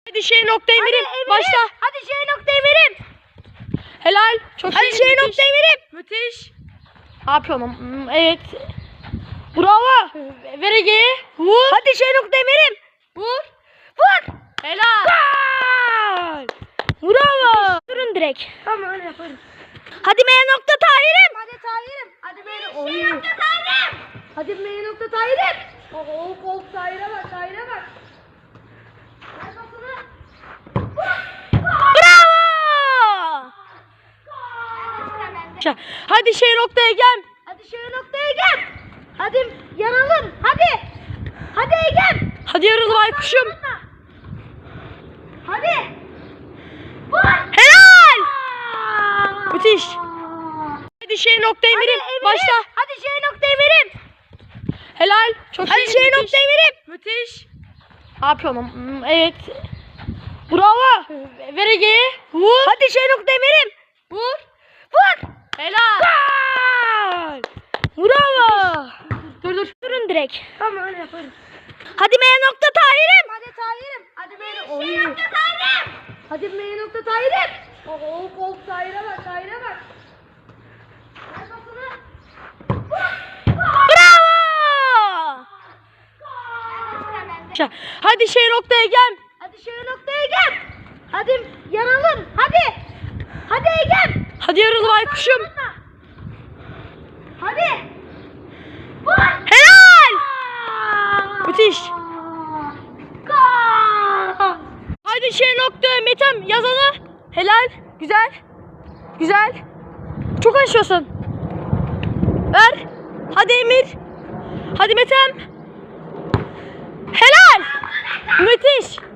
Hadi şey noktayı verim. Başla. Hadi şey noktayı verim. Helal. Çok Hadi iyi. şey Müthiş. noktayı verim. Müthiş. Ne yapıyorsun? Evet. Bravo. Ver Ege'ye. Vur. Hadi şey noktayı verim. Vur. Vur. Helal. Gol. Bravo. Durun direkt. Tamam öyle yaparız. Hadi M nokta Tahir'im. Hadi Tahir'im. Hadi beni. Şey nokta Tahir'im. Hadi M nokta Tahir'im. Oo kol Tahir'e bak. Tahir'e bak. Ver pasını. Bravo. Hadi şey noktaya gel. Hadi şey noktaya gel. Hadi yanalım. Hadi. Hadi Egem. Hadi yarılı baykuşum. Hadi. Vur. Helal. Müthiş. Hadi şey noktayı verim. Başla. Hadi şey noktayı verim. Helal. Çok Hadi iyi. şey Müthiş. noktayı verim. Müthiş. Ne yapıyorsun? Evet. Bravo. Ver Ege'ye. Vur. Hadi şey noktayı verim. Vur. Vur. Helal. Gol. Bravo. Dur. Durun direkt. Tamam öyle yaparız. Hadi M nokta Tahir'im. Hadi Tahir'im. Hadi beni. Şey nokta Tahir'im. Hadi M nokta Tahir'im. Oo kol Tahir'e bak. Tahir'e bak. Ver pasını. Bravo. Hadi şey noktaya gel. Hadi şey noktaya gel. Hadi yanalım. Hadi. Hadi Egem. Hadi yarılı baykuşum. Hadi. Vur. Helal. Müthiş. Gol. Hadi şey noktaya Metem yazana. Helal. Güzel. Güzel. Çok aşıyorsun. Ver. Hadi Emir. Hadi Metem. Helal. Müthiş.